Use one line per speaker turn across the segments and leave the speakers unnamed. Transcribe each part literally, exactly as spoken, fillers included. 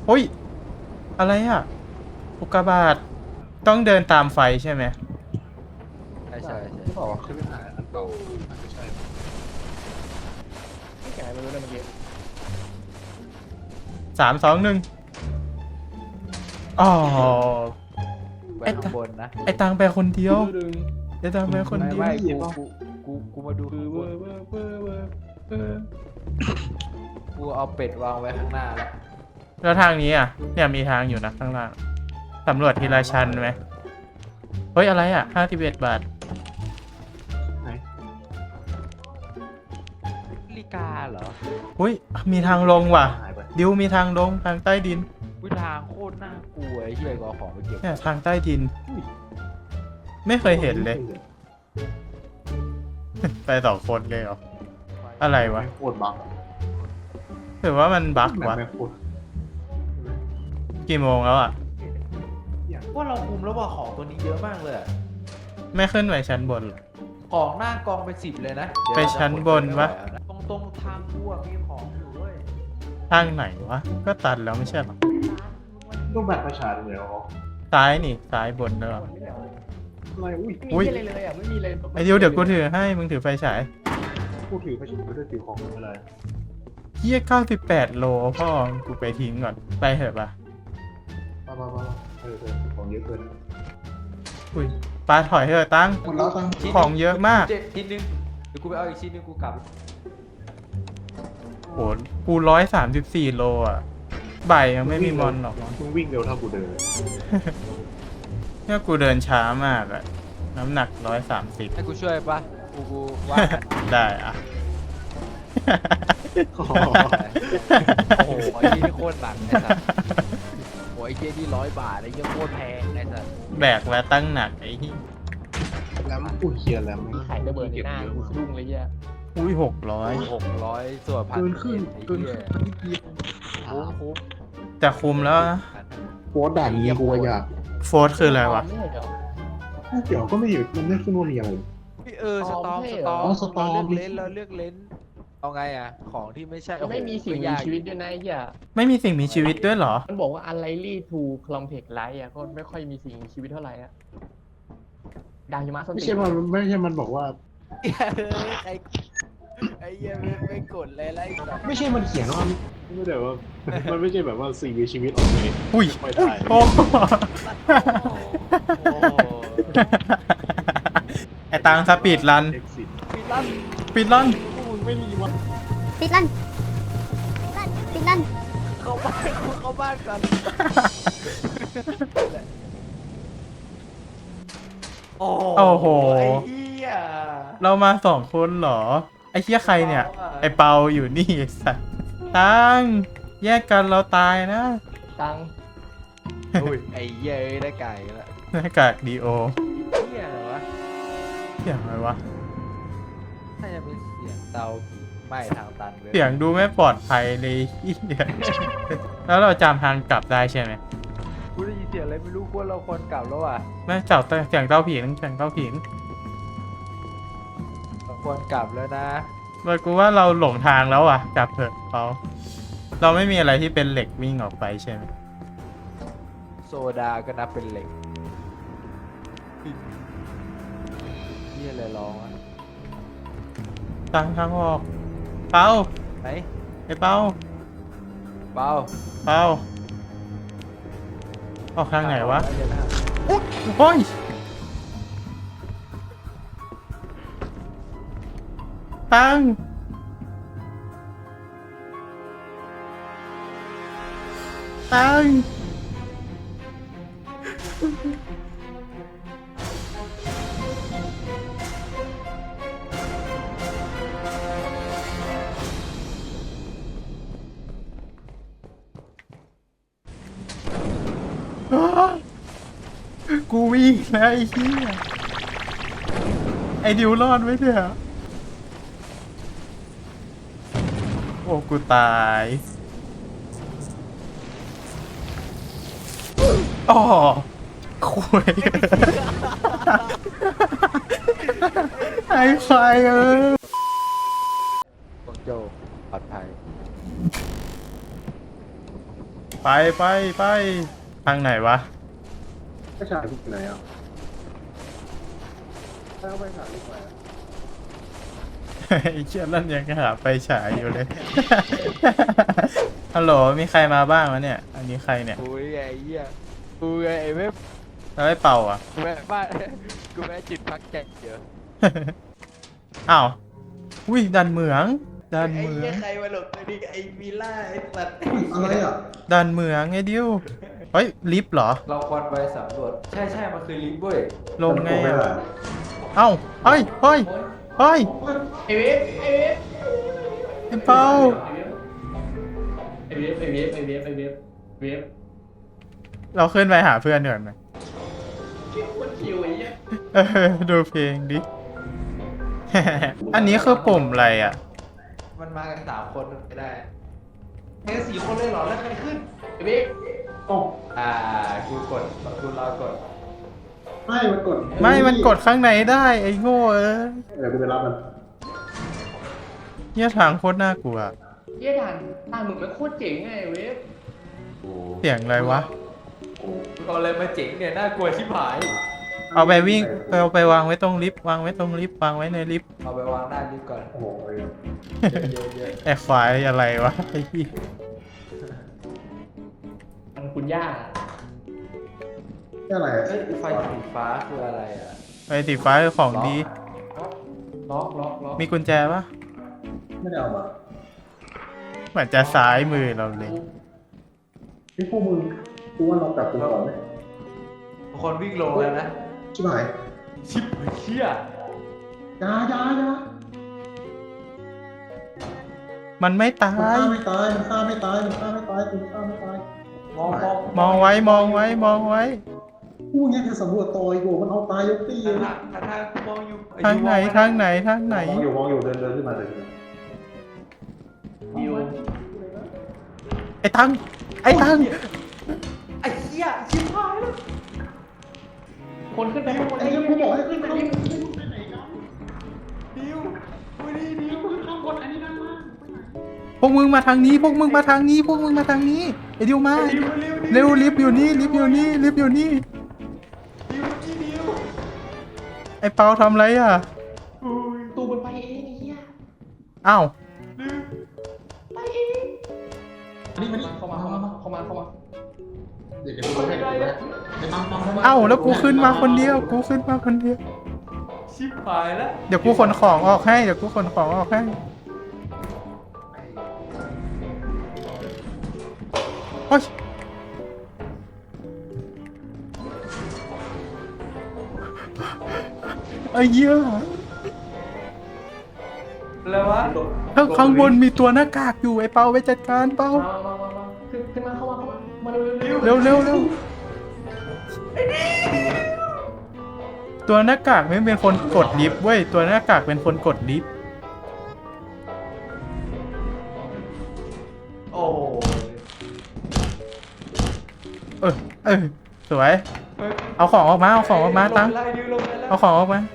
โอ้ยอะไรอ่ะอุกกาบาตต้องเดินตามไฟใช่ไหม
ใช่ใช่ใช่
ที่บอกว่าขึ้นไปหาอันเก่าอาจจะใช่
ไม่แก่ไม่รู้เลยเมื่อกี้
สามสองหนึ่งอ๋อ
ไป
ไอ้
ข้างบนนะ
ไอตังไปคนเดียว
ดึง
ไอตังไปคน
ไม่
เดียว
ไม่กูกูกูกูมาดู
คือ
ข้าง
เว
บ
อน ร์เวอร์เวอร์เวอร์เวอร์
กูเอาเป็ดวางไว้ข้างหน้าแล้ว
แล้วทางนี้อ่ะเนี่ยมีทางอยู่นะข้างล่างสำรวจทีละชั้นไหมเฮ้ยอะไรอ่ะห้าสิบเอ็ดบาท
ไหน
ลีกาเหรอ
อุ้ยมีทางลงว่ะ
หายไป
ดิวมีทางลงทางใต้ดิน
วิทางโคตรน่ากลัวไอ้เหี้ยก็เอาของไปเก็บ
เนี่ยทางใต้ดิน ไม่เคยเห็นเลย ไปสองคนเลยเหรออะไรวะ
ไม่โคตรบัก
ถือว่ามันบั๊ก
แบบ
วะ
ไม่โคตร
กี่โมงแล้วอ่ะ
ว่าเราคุมแล้วว่าของตัวนี้เยอะมากเลยอะ
ไม่ขึ้นไปชั้นบนเหรอ
ของหน้ากองเป็นสิบเลยนะเดี๋ยว
ไปชั้นบนวะ
ตรงตรงทางกูอะมีของอยู่เว้ย
ทางไหนวะก็ตันแล้วไม่ใช่เหรอ
ต้องแบบประชาชนเลยเหรอ
ซ้ายนี่ซ้ายบนเนอะ
อะไรอุ้ย
ไม่มีอะไรเลยอ่ะไม่มีเลย
ไอดิวเดี๋ยวกูถือให้มึงถือไฟฉาย
พูดถือประชาชนไม่ได้ถือของอะไร
เฮียเก้าสิบแปดโลพ่อกูไปทิ้งก่อนไปเถอะปะ
บ้าบ้าบ้าเออเออของเยอะเกิน
อุ้ยปลาถอยเถอะตั้ง
หมดแล้วตั้ง
ของเยอะมาก
เจ็ดชิ้นหนึงเดี๋ยวกูไปเอาอีกชิ้นหนึงกูกลับ
โหกูร้อยสามสิบสี่โลอ่ะบ่ายยังไม่มีมอนหรอก
มึงวิ่งเร็วเท่ากูเดิน
เนี่ยกูเดินช้ามากอะน้ำหนักร้อยสามสิบ
ให้กูช่วยปะกูกูว่ากัน
ได้อะ
อ๋อ
โอ้โหไอ้เหี้ยนี่โคตรหนักไอ้สัสโอ้ยไอ้เหี้ยนี่ร้อยบาทไอ้เหี้ยโคตรแพงไอ้สัส
แบกแล้วตั้งหนักไอ้ที่
แล้วกูเคียร์แล้ว
มีไข่ระเบิดในหน้ากูสะดุ้งเลยแย่
อุ้ยหกร้อย
หกร้อยส่วนพัน
เกินขึ้น
ไอ้
เกิน
เหี้ย
ขึ้นนิดเดียว
คุ้มคุ้ม
จะคุมแล้วนะ
โค้ดด่านนี้กูอยาก
โฟร์ธคืออะไรวะ
ไม่ใช่เหรอ
เดี๋ยวก็ไม่อยู่มันไม่ขึ้นว่ามีอะไร
พี่เออสตอม
ไม่
ส
ใช่เห
ต
ร
อ
อ
ม
สตอม
เราเลือกเลนเราเลือกเลนเอาไงอ่ะของที่ไม่ใช่โอ้โห
ไม่มีสิ่งมีชีวิตด้วยนะไอ้เหี้ย
ไม่มีสิ่งมีชีวิตด้วยเหรอ
มันบอกว่า unlikely to complex life อ่ะก็ไม่ค่อยมีสิ่งมีชีวิตเท่าไหร่อ่ะดาวหิมะส้น
ไม่
ตี
ใช่
น
มันไม่ใช่มันบอกว่า
เฮ้ยไอ้ไอ้เหี้ยไม่ไม่กดเลยไล่สัตว์
ไม่ใช่มันเขียนว่าไม่ได้ว่า มันไม่ใช่แบบว่าสิ่งมีชีวิตออกเลย
อุ้ย
ไม่ได้
โอ้
โอ้โห
ไอตังสปีดรัน
เอ็กซิส
ปิดลั่น
ปีดรัน
มึงไม่มีวัน
ปิดลั่นปิดลั่น
เข้าบ้านกูเข้าบ้านกันโอ้
โอ้โห
ไอ้เหี้ย
เรามาสองคนเหรอ ไอ้เหี้ยใครเนี่ย ไอ้เปาอยู่นี่ไอ้สัสตังแยกกันเราตายนะ
ตัง
อุ้ยไอ้เหี้ยเอ้ยได้ไก่ละ
หน้ากากดีโอ
เหี้ยเหรอวะ
เสียงอะไรวะ
น่าจะเป็นเสียงเตาผีไหม้ทางตันเลย
เสียงดูไม่ปลอดภัยเลยเหี้ยแล้วเราจำทางกลับได้ใช่ไหม
กูได้ยินเสียงอะไรไม่รู้กูว่าเราควรกลับแล้วอ่ะ
ไม่เจ้าเสียงเต้าผิงเสียงเต้าผิง
เราควรกลับแล้วนะ
เลยกูว่าเราหลงทางแล้วอ่ะกลับเถอะเขาเราไม่มีอะไรที่เป็นเหล็กวิ่งออกไปใช่ไหม
โซดาก็นับเป็นเหล็กเหี้ยอะไรร้องอ่ะ
ตั้งทางออกเปา
ไหน
ไอ้เปา
เบา
เปาออกทางไหนวะ
เดี๋ยนะ
โอ้ยตั้งตั้งกูวิ่งแล้วไอ้เหี้ยไอ้ดิวรอดไว้เถอะโอ้กูตายอ๋อคุยไอ้ไฟเออ
ของโจปลอดภัย
ไปไปไปทางไหนวะ
ก็ฉายที่ไหนอ่ะถ้าไปฉายที่ไหน
ไอ้เชี่ยนั่นยังหาไปฉายอยู่เลย ฮัลโหลมีใครมาบ้างวะเนี่ย อันนี้ใครเนี่ย
กูไงไอ้เหี้ยกูไงไอ้เว็บ
แล้วไอ้เป่าอ่ะ
กูแม่บ้านกูแม่จิตพักแจกเยอะ
อ้าวอุ้ยดันเหมืองดัน
ไอ้
เหมือ
เหี้ย
ง
ใครมาหลบตัวนี้ไอ้วิลล่าไอ้สัตว์
อะไรอ่ะ
ดันเหมืองไอ้ดิวเฮ้ยลิฟต์เหรอ
เราควรไปสำรวจใช่ใช่มันคือลิฟต์เว้ย
ลงไง
ไม่
อะ
ได้
เอ้าเฮ้ยเฮ้ยเฮ้ย
ไอเวฟไอเวฟ
ไอ้เป่า
ไอเวฟไอเวฟไอเวฟไอเวฟเวฟ
เราขึ้นไปหาเพื่อนก่อนไหม
คนคิวไอ้เหี้ย
เออดูเพลงดิ อันนี้คือปุ่มอะไรอ่ะ
มันมากันสามคนไม่ได้แค่สี่คนเลยเหรอแล้วใครขึ้น
ไอเวฟ
โอ้
อ่ากูกดกูรอกด
ไม่มันกด
ไม่มันกดข้างในได้ไอ้โง่เอ้ย
เดี๋ยวกูไปรับมัน
เนี่ยทางโคตรน่ากลัว
เหี้ยด่านด่านมึงมันโคตรเจ๋งไงไอ้เวฟ
เสียงอะไรวะ
เอาอะไรมาเจ๋งเนี่ยน่ากลัวชิบหาย
เอาไปวิ่งเอาไปวางไว้ตรงลิฟต์วางไว้ตรงลิฟต์วางไว้ในลิฟต์
เอาไปวางด้านนี้ก่อน
โอ้โห
เยอะเยอะ
ไอ้ควายอะไรวะไอ้พี่
มันคุณย่า
นี่อะไร
เอ้ยไฟสีฟ้าคืออะไรอ่ะ
ไอ้สีฟ้าคือของดี
ล็อกล็อกล็อก
มีกุญแจปะ
ไม่ได้เอามา
เหมือนจะซ้ายมือเราเลย
พี่พวกมึงกูว่าเรากลับกูก่อนไหม
ทุกคนวิ่งลงแล้วนะ
ชิบหาย
ชิบเชี่ย
ยายายา
มันไม่ตา
มัน
ย
ฆ่าไม่ตายมันฆ่าไม่ตายมันฆ่าไม่ตายกูฆ่าไม่ตาย
มองมอง
มองไว้มองไว้มองไว้
กูยังจะสำรวจต่อยกูมันเอาตายยกตีเลย
ทางทางทางกูมองอยู่
ทางไหนทางไหนทางไหน
มองอยู่มองอยู่เดินเดินขึ้นมาเดินขึ้นมา
วิว
ไอ้ตังไอ้ตัง
ไอ้เหี้ยชิบหายแล้ว
คนขึ้นไปข้างบน
ไอ้ยังกูบอกให้ขึ้นไปดิ
ดิววันนี้ดิว
พวกมึงมาทางนี้พวกมึงมาทางนี้พวกมึงมาทางนี้ไอ้ดิวมาเร็วลิฟต์อยู่นี่ลิฟต์อยู่นี่ลิฟต์อยู่นี่
ดิวกี่ดิว
ไอ้เปาทำไรอ่ะ
ตูมันไปเองไอ้เหี้ย
อ้าว
ไปเอง
นี่มานี่
เข้ามาเข้ามาเข้ามาเข้ามา
เดี๋ยวเดี๋ยวกูให้เดี๋ยวกูให้ไอ้ปังปังปัง
เอ้าแล้วกูขึ้นมาคนเดียวกูขึ้นมาคนเดียว
ชิบหายแล้ว
เดี๋ยวกูขนของออกให้เดี๋ยวกูขนของออกให้โอ๊ยไอ้เหี้ย
แล้ววะ
ข้างข้างบนมีตัวหน้ากากอยู่ไอ้เปาไปจัดการเปา
มามามามาขึ้นขึ้นมาเข้ามาเข้ามามาเร็วเร็ว
เร็วเร็วเร็วตัวหน้ากากไม่เป็นคนกดลิฟต์เว้ยตัวหน้ากากเป็นคนกดลิฟต์
โอ้โห
เออเออสวย
เฮ้ย
เอาของออกมาเอาของออกมาตัง
ไล่ดิวลงไปแล้ว
เอาของออกมา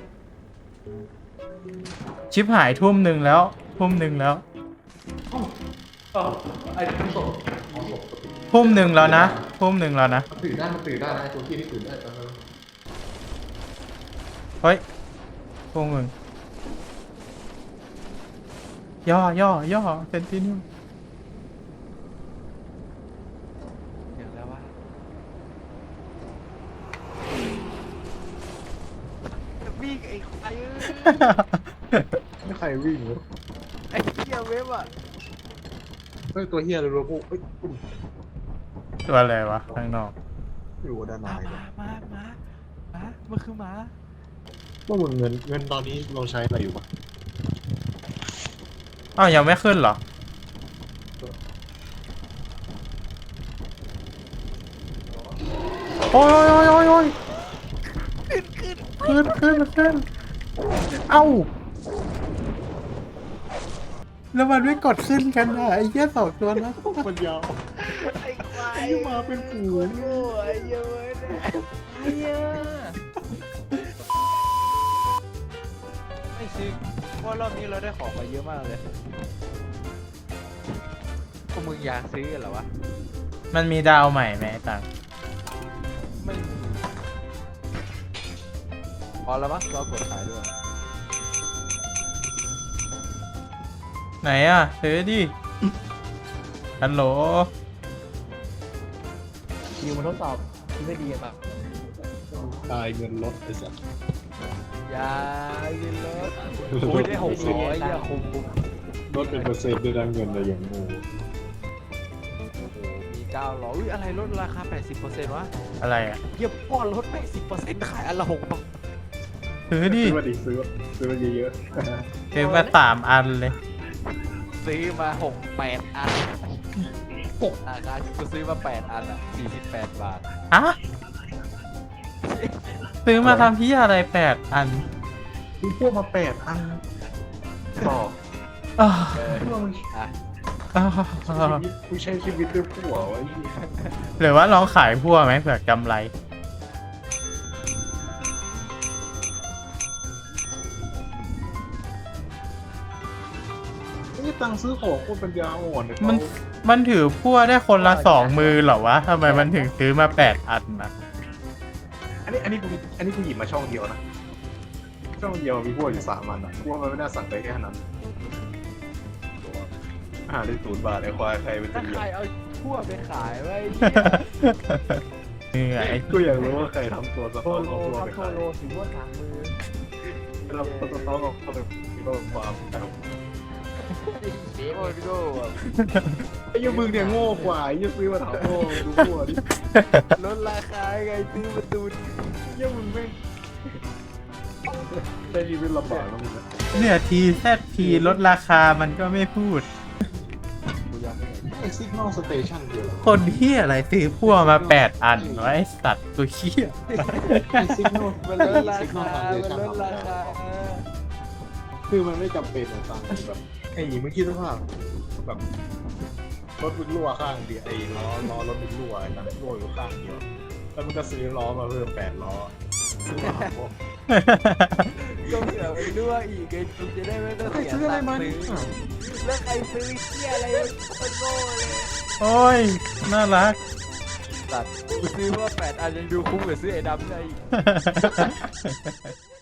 ชิปหายทุ่มหนึ่งแล้วทุ่มหนึ่งแล้ว
อ๋อไอ้ดิวตก
ทุ่มหนึ่งแล้วนะทุ่มหนึ่งแล้วนะ
ตื่นได้มันตื่นได้นะไอ้ตัวที่นี่ตื่นได้ตอนนั้น
เฮ้ยพวกมึงย่อย่อย่อเซนตินิว
เดี๋ยวแล้ววะวิ่งไอ้ไอ้เอ้ย
ไม่ใครวิ่งวะ
ไอ้เหี้ยเว็บอ่ะ
เฮ้ยตัวเฮียเลยรู้พวกเฮ้ย
ตัวอะไรวะข้างนอก
อยู่ด้านใน
มา
เลย
มามามามันคือหมา
ว่ามึงเงินเงินตอนนี้เราใช้อะไรอยู่ปะ
อ้าวยังไม่ขึ้นเหรอโอ้ยโอ้ยโอ้ยโอ้ยขึ้นขึ้นขึ้นขึ้นเอ้าแล้วมันไม่กดขึ้นกันอ่ะไอ้เหี้ยสองตัวนั้นมันยาว
ไอ้ควาย
ไอ้มาเป็นฝูง
โง่ไอ้เหี้ยเว้ยเนี่ยไอ้เหี้ยไม่ซื้อเพราะรอบนี้เราได้ของมาเยอะมากเลยพวกมึงอยากซื้อกันเหรอวะ
มันมีดาวใหม่ไหมไอ้ตัง
ไม่มีพอแล้วมั้งเรากดขายด้วย
ไหนอ่ะซื้อดิฮัลโหล
คิวมาทดสอบคิดไม่ดีกันปะ
ตายเงินลดไอ้สัส
ยากินรถโอ้ยได้หกร้อยอย่าคุ้มคุ้ม
ลดเป็นเปอร์เซ็นต์ด้วยนะเงินอะไรอย่างงู
โอ้โหมีเก้าร้อยอุ้ยอะไรลดราคาแปดสิบเปอร์เซ็นต์วะ
อะไรอ่ะ
เยี่ยพ่อลดแปดสิบเปอร์เซ็นต์ขายอันละหกบาท
ซื้อดิ
ซื้อมาดิซื้อซื้อมาเยอะ
ซื้อมาสามอันเลย
ซื้อมาหกแปดอันหกราคากูซื้อมาแปดอันอ่ะสี่สิบแปดบาท
ฮะซื้อมาทำที่อะไรแปดอัน
ๆมีพวกมาแปดอันต่อ
อ้าว
เออ
เพื่อมึง
อ่ะ
อ้าว
กูใช้ชีวิตด้วยผัวไว้
หรือว่าลองขายพั่วไหมเผื่อกำไร
นี่ตังค์ซื้อของโคตรปัญญาอ่อนเลย
มันมันถือพั่วได้คนละสองมือเหรอวะทำไมมันถึงซื้อมาแปดอันนะ
อันนี้อันนี้กูอันนี้กูหยิบมาช่องเดียวนะช่องเดียวมีพวกอยู่สามอันอ่ะพวกมันไม่น่าสั่งไปแค่นั้นอ่าได้ศูนย์บาทไอ้ควายใครเป็น
ถ้า
จะเหยี
ใค
ย
ร
บ
เอาทั่วไปขายไว้
เหนื่อย
กูอยากรู้ว่าใครทำตัวสะ
โท
ท้อน
โล
ของตัว
ครับ
ไป
โท
ขาย
โลถือว่าสามมือ
เราสะท้อนของตัวไปก็ความ
โอ้ยโง่อะ
ไอ้ยังมึงเนี่ยโง่กว่าไอ้ยังซื้อมาถามโง่ดูโง่ดิ
ลดราคาไงซื้อมาตูน
ยังมึงไม่ได้ชีวิตลำบากนะมึงนะ
เนี่ยทีแซดพีลดราคามันก็ไม่พูด
กูยังไม่เห็น
ไอ้ซิกนอลสเตชันเดียว
คนเฮียอะไรซื้อพั่วมาแปดอันวะไอสัตว์ตัวเฮีย
ไอ้ซิกนอล
มันลดราคามันลดราคา
คือมันไม่จำเป็นอะตังแบบไอ้เมื่อกี้สภาพแบบรถมึงรั่วข้างเดียวไอ้ล้อล้อรถมึงรั่วไอ้นั่นรั่วอยู่ข้างเดียวแล้วมึงก็ซื้อล้อมาเพิ่มแปดล้อซื้อมาหาพวก
ก็เผื่อไปด้วยอีกไงกูจะได้ไม่ต้อง
ใคร
เสีย
ซื้ออะไร
ตัง
มา
ค์
เนี่
ซื้
ย
อแล้วใครซื้อเที่ยอะไรคนโง่เลย
โอ้ย น่ารัก
สัตว์กูซื้อมาแปดอันยังดูคุ้มกว่าซื้อไอ้ดำได้อีก